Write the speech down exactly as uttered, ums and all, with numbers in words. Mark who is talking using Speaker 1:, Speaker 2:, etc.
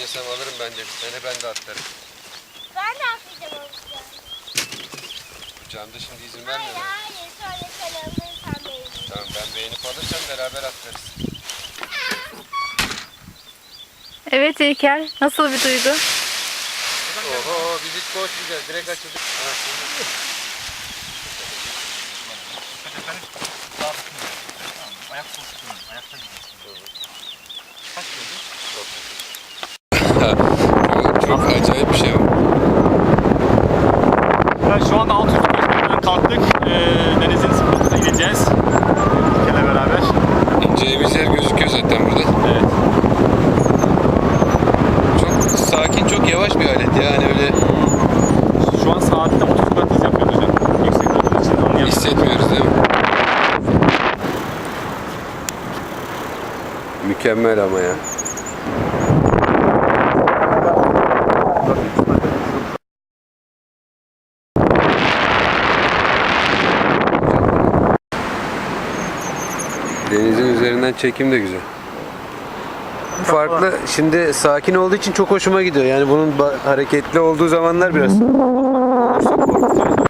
Speaker 1: istesem alırım bence bir tane, ben de atlarım.
Speaker 2: Ben de atlayacağım olacağım.
Speaker 1: Camda şimdi izin
Speaker 2: Hayır
Speaker 1: vermiyor.
Speaker 2: hayır, sonra sen alırsan beğenir.
Speaker 1: Tamam, ben beğenip alırsam beraber atlarız.
Speaker 3: Evet İlker, nasıl bir duygu?
Speaker 1: Oho, biz hiç koşmayacağız, direkt açıldık. Ha, şimdi.
Speaker 4: Ayak pozisyonu, ayakta gidiyorsun. Kaç gördün?
Speaker 1: Çok, çok acayip bir şey bu.
Speaker 4: Evet, şu anda altı yüz beş metreden kalktık. Ee, denizin sıfırına ineceğiz. İlker'le beraber.
Speaker 1: İneceğimiz yer gözüküyor zaten burada.
Speaker 4: Evet.
Speaker 1: Çok sakin, çok yavaş bir alet ya. Hani öyle
Speaker 4: Şu an saatte otuz metre yapıyoruz hocam. Yüksek olduğu için anlayamıyoruz.
Speaker 1: hissetmiyoruz değil mi? Mükemmel ama ya. Denizin üzerinden çekim de güzel. Farklı. Şimdi sakin olduğu için çok hoşuma gidiyor. Yani bunun ba- hareketli olduğu zamanlar biraz olursa korkutuyor.